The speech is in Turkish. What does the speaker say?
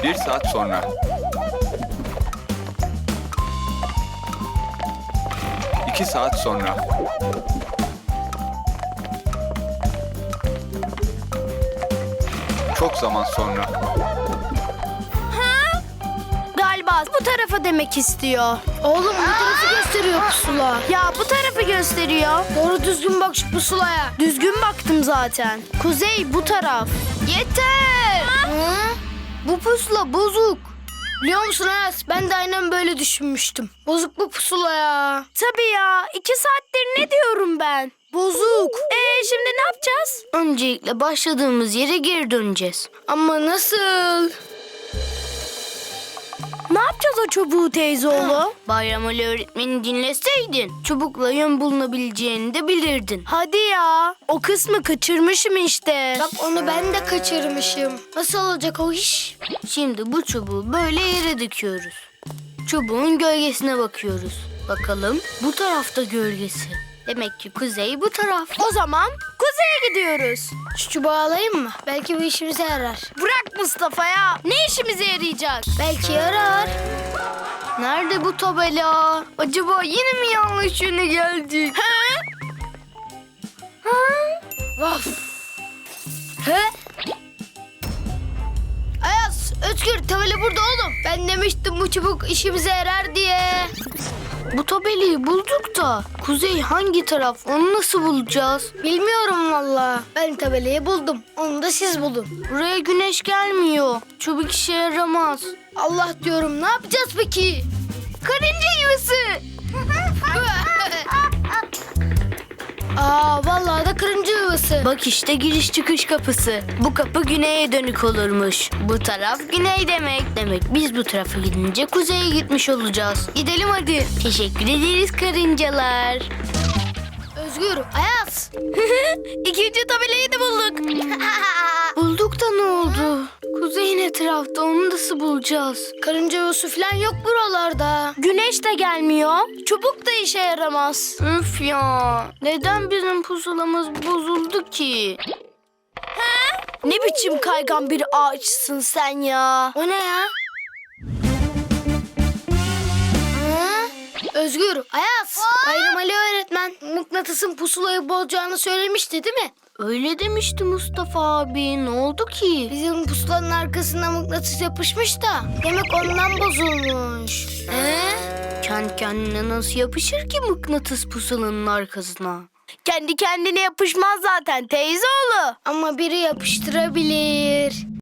Bir saat sonra. 2 saat sonra. Çok zaman sonra. Galiba bu tarafa demek istiyor. Oğlum bu tarafı gösteriyor pusula. Ya bu tarafı gösteriyor. Doğru düzgün bak şu pusulaya. Düzgün baktım zaten. Kuzey bu taraf. Yeter! Hı? Bu pusula bozuk. Biliyor musun Ayaz? Ben de aynen böyle düşünmüştüm. Bozuk bu pusula ya. Tabii ya. 2 saattir ne diyorum ben? Bozuk. Şimdi ne yapacağız? Öncelikle başladığımız yere geri döneceğiz. Ama nasıl? Ne yapacağız o çubuğu teyzeoğlu? Bayram Ali öğretmeni dinleseydin çubukla yön bulunabileceğini de bilirdin. Hadi ya. O kısmı kaçırmışım işte. Bak onu ben de kaçırmışım. Nasıl olacak o iş? Şimdi bu çubuğu böyle yere dikiyoruz. Çubuğun gölgesine bakıyoruz. Bakalım bu tarafta gölgesi. Demek ki kuzey bu taraf. O zaman kuzeye gidiyoruz. Şu çubuğu alayım mı? Belki bu işimize yarar. Bırak Mustafa ya. Ne işimize yarayacak? Belki yarar. Nerede bu tabela? Acaba yine mi yanlış yöne geldik? Vaf. He? Ayaz, Özgür tabela burada oğlum. Ben demiştim bu çubuk işimize yarar diye. Bu tabelayı bulduk da kuzey hangi taraf onu nasıl bulacağız? Bilmiyorum valla. Ben tabelayı buldum. Onu da siz bulun. Buraya güneş gelmiyor. Çubuk işe yaramaz. Allah diyorum ne yapacağız peki? Karınca yuvası. Vallahi da karınca yuvası. Bak işte giriş çıkış kapısı. Bu kapı güneye dönük olurmuş. Bu taraf güney demek. Demek biz bu tarafa gidince kuzeye gitmiş olacağız. Gidelim hadi. Teşekkür ederiz karıncalar. Özgür, Ayaz. İkinci tabelayı da bulduk. Bulduk da ne oldu? Kuzey ne tarafta onu nasıl bulacağız? Karınca yuvası falan yok buralarda. Güneş de gelmiyor. Çubuk da işe yaramaz. Üf ya. Neden bizim pusulamız bozuldu ki? Ne biçim kaygan bir ağaçsın sen ya? O ne ya? Hı? Özgür, Ayaz. Bayram Ali öğretmen mıknatısın pusulayı bozacağını söylemişti değil mi? Öyle demişti Mustafa abi. Ne oldu ki? Bizim pusulanın arkasına mıknatıs yapışmış da. Demek ondan bozulmuş. Kendi kendine nasıl yapışır ki mıknatıs pusulanın arkasına? Kendi kendine yapışmaz zaten teyzeoğlu. Ama biri yapıştırabilir.